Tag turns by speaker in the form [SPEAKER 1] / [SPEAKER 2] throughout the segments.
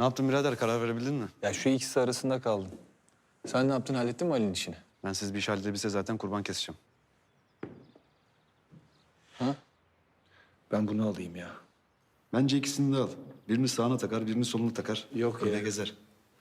[SPEAKER 1] Ne yaptın birader? Karar verebildin mi?
[SPEAKER 2] Ya şu ikisi arasında kaldım. Sen ne yaptın? Hallettin mi Ali'nin işini?
[SPEAKER 1] Ben siz bir iş halledebilse zaten kurban keseceğim.
[SPEAKER 2] Ha? Ben bunu alayım ya.
[SPEAKER 1] Bence ikisini de al. Birini sağına takar, birini soluna takar.
[SPEAKER 2] Yok
[SPEAKER 1] Öyle
[SPEAKER 2] ya.
[SPEAKER 1] gezer.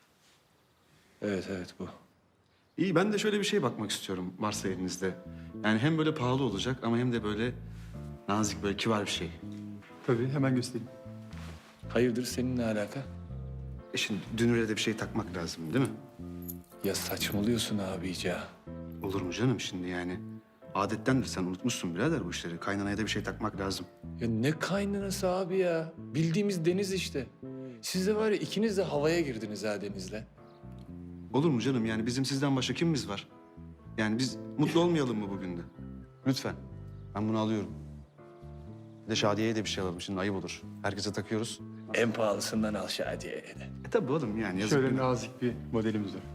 [SPEAKER 2] Evet bu.
[SPEAKER 1] İyi, ben de şöyle bir şey bakmak istiyorum varsa elinizde. Yani hem böyle pahalı olacak ama hem de böyle nazik, böyle kibar bir şey.
[SPEAKER 3] Tabii, hemen göstereyim.
[SPEAKER 2] Hayırdır senin ne alaka?
[SPEAKER 1] Şimdi dünüre de bir şey takmak lazım değil mi?
[SPEAKER 2] Ya saçmalıyorsun abice.
[SPEAKER 1] Olur mu canım şimdi yani? Adettendir, sen unutmuşsun birader bu işleri. Kaynanaya da bir şey takmak lazım.
[SPEAKER 2] Ya ne kaynanası abi ya? Bildiğimiz deniz işte. Siz de var ya ikiniz de havaya girdiniz ha denizle.
[SPEAKER 1] Olur mu canım, yani bizim sizden başka kimimiz var? Yani biz mutlu olmayalım mı bugün de? Lütfen. Ben bunu alıyorum. Bir de Şadiye'ye de bir şey alalım, şimdi ayıp olur. Herkese takıyoruz.
[SPEAKER 2] En pahalısından al Şadiye'ye de.
[SPEAKER 1] Tabii oğlum, yani yazık.
[SPEAKER 3] Şöyle
[SPEAKER 1] günah.
[SPEAKER 3] nazik bir modelimiz var.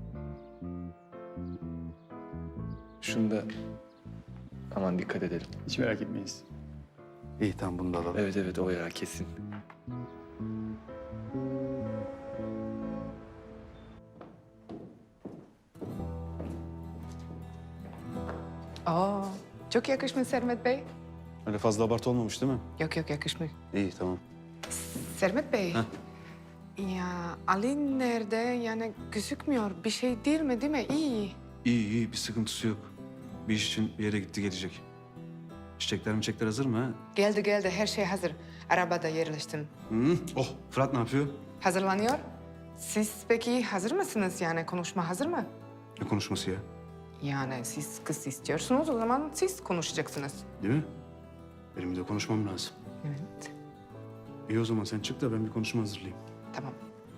[SPEAKER 2] Şunu da aman dikkat edelim.
[SPEAKER 3] Hiç merak etmeyiz.
[SPEAKER 1] İyi, tamam, bunu da alalım.
[SPEAKER 2] Evet o ya kesin.
[SPEAKER 4] Oo, çok yakışmış Sermet Bey.
[SPEAKER 1] Öyle fazla abartı olmamış değil mi?
[SPEAKER 4] Yok yakışmış.
[SPEAKER 1] İyi, tamam.
[SPEAKER 4] Sermet Bey.
[SPEAKER 1] Heh.
[SPEAKER 4] Ya Ali nerede? Yani gözükmüyor. Bir şey değil mi? İyi.
[SPEAKER 1] İyi, bir sıkıntısı yok. Bir iş için bir yere gitti, gelecek. Çiçekler hazır mı ha?
[SPEAKER 4] Geldi. Her şey hazır. Arabada yerleştim.
[SPEAKER 1] Hı? Oh, Fırat ne yapıyor?
[SPEAKER 4] Hazırlanıyor. Siz peki hazır mısınız? Yani konuşma hazır mı?
[SPEAKER 1] Ne konuşması ya?
[SPEAKER 4] Yani siz kız istiyorsunuz, o zaman siz konuşacaksınız.
[SPEAKER 1] Değil mi? Benim de konuşmam lazım.
[SPEAKER 4] Evet.
[SPEAKER 1] İyi, o zaman sen çık da ben bir konuşma hazırlayayım.
[SPEAKER 4] Tamam.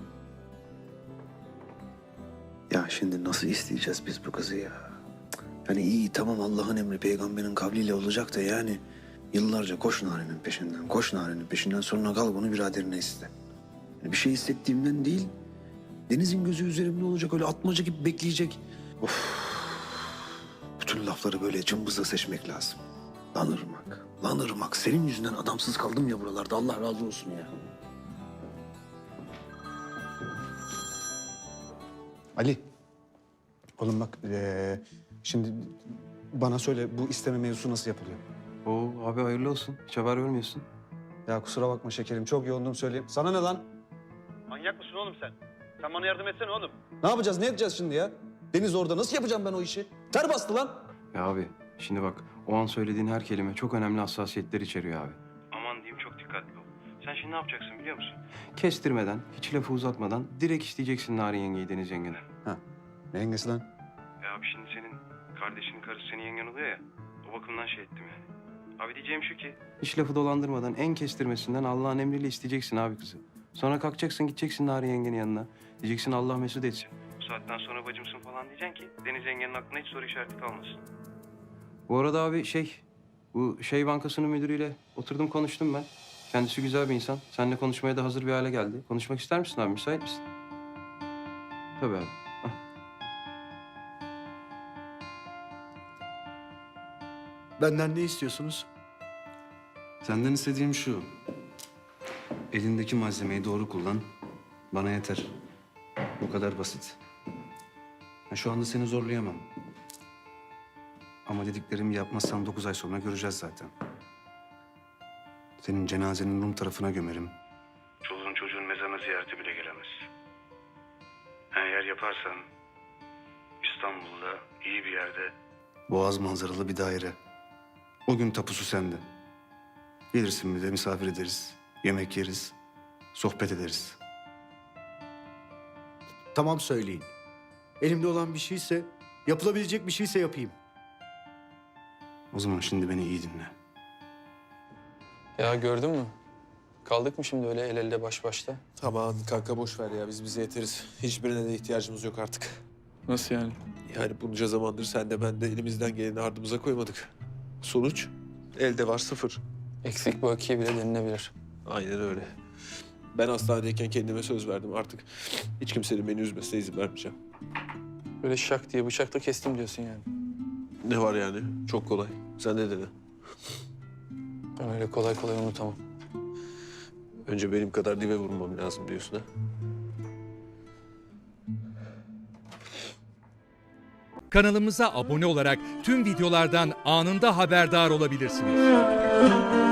[SPEAKER 5] Ya şimdi nasıl isteyeceğiz biz bu kızı ya? Yani iyi tamam, Allah'ın emri peygamberin kavliyle olacak da yani yıllarca koş Nari'nin peşinden sonra kal bunu biraderine iste. Yani bir şey hissettiğimden değil, Deniz'in gözü üzerimde olacak, öyle atmaca gibi bekleyecek. Of. Bütün lafları böyle cımbızla seçmek lazım. Lan Irmak, senin yüzünden adamsız kaldım ya buralarda, Allah razı olsun ya.
[SPEAKER 1] Ali. Oğlum bak, şimdi bana söyle, bu isteme mevzusu nasıl yapılıyor?
[SPEAKER 6] Oo abi hayırlı olsun. Hiç haber vermiyorsun.
[SPEAKER 1] Ya kusura bakma şekerim, çok yoğundum söyleyeyim. Sana ne lan?
[SPEAKER 7] Manyak mısın oğlum sen? Sen bana yardım etsene oğlum.
[SPEAKER 1] Ne yapacağız, ne edeceğiz şimdi ya? Deniz orada, nasıl yapacağım ben o işi? Ter bastı lan.
[SPEAKER 6] Ya abi şimdi bak o an söylediğin her kelime çok önemli hassasiyetler içeriyor abi. Aman diyeyim çok dikkatli ol. Sen şimdi ne yapacaksın biliyor musun? Kestirmeden, hiç lafı uzatmadan direkt isteyeceksin Narin yengeyi Deniz yengeden.
[SPEAKER 1] Ha, ne yengesi lan?
[SPEAKER 6] Ya abi şimdi senin kardeşinin karısı senin yengen oluyor ya. O bakımdan şey ettim yani. Abi diyeceğim şu ki. Hiç lafı dolandırmadan en kestirmesinden Allah'ın emriyle isteyeceksin abi kızı. Sonra kalkacaksın gideceksin Narin yengenin yanına. Diyeceksin Allah mesut etsin. Bu saatten sonra bacımsın falan diyeceksin ki Deniz yengenin aklına hiç soru işareti kalmasın. Bu arada abi bu bankasının müdürüyle oturdum konuştum ben. Kendisi güzel bir insan. Seninle konuşmaya da hazır bir hale geldi. Konuşmak ister misin abi? Müsait misin? Tabii abi.
[SPEAKER 5] Benden ne istiyorsunuz?
[SPEAKER 1] Senden istediğim şu. Elindeki malzemeyi doğru kullan. Bana yeter. Bu kadar basit. Ya şu anda seni zorlayamam. Ama dediklerimi yapmazsan 9 ay sonra göreceğiz zaten. Senin cenazenin Rum tarafına gömerim. Çoluğun çocuğun mezarına ziyarete bile gelemez. Eğer yaparsan İstanbul'da iyi bir yerde boğaz manzaralı bir daire. O gün tapusu sende. Gelirsin, bir de misafir ederiz. Yemek yeriz. Sohbet ederiz.
[SPEAKER 8] Tamam söyleyin. Elimde olan bir şeyse, yapılabilecek bir şeyse yapayım.
[SPEAKER 1] O zaman şimdi beni iyi dinle.
[SPEAKER 2] Ya gördün mü? Kaldık mı şimdi öyle el elde baş başta?
[SPEAKER 9] Aman kanka boş ver ya, biz bize yeteriz. Hiçbirine de ihtiyacımız yok artık.
[SPEAKER 2] Nasıl yani?
[SPEAKER 9] Yani bunca zamandır sen de ben de elimizden geleni ardımıza koymadık. Sonuç elde var 0.
[SPEAKER 2] Eksik bakiye bile denilebilir.
[SPEAKER 9] Aynen öyle. Ben hastanedeyken kendime söz verdim, artık hiç kimsenin beni üzmesine izin vermeyeceğim.
[SPEAKER 2] Böyle şak diye bıçakla kestim diyorsun yani.
[SPEAKER 9] Ne var yani? Çok kolay. Sen de dene.
[SPEAKER 2] Ben öyle kolay kolay unutamam.
[SPEAKER 9] Önce benim kadar dibe vurmam lazım diyorsun ha?
[SPEAKER 10] Kanalımıza abone olarak tüm videolardan anında haberdar olabilirsiniz.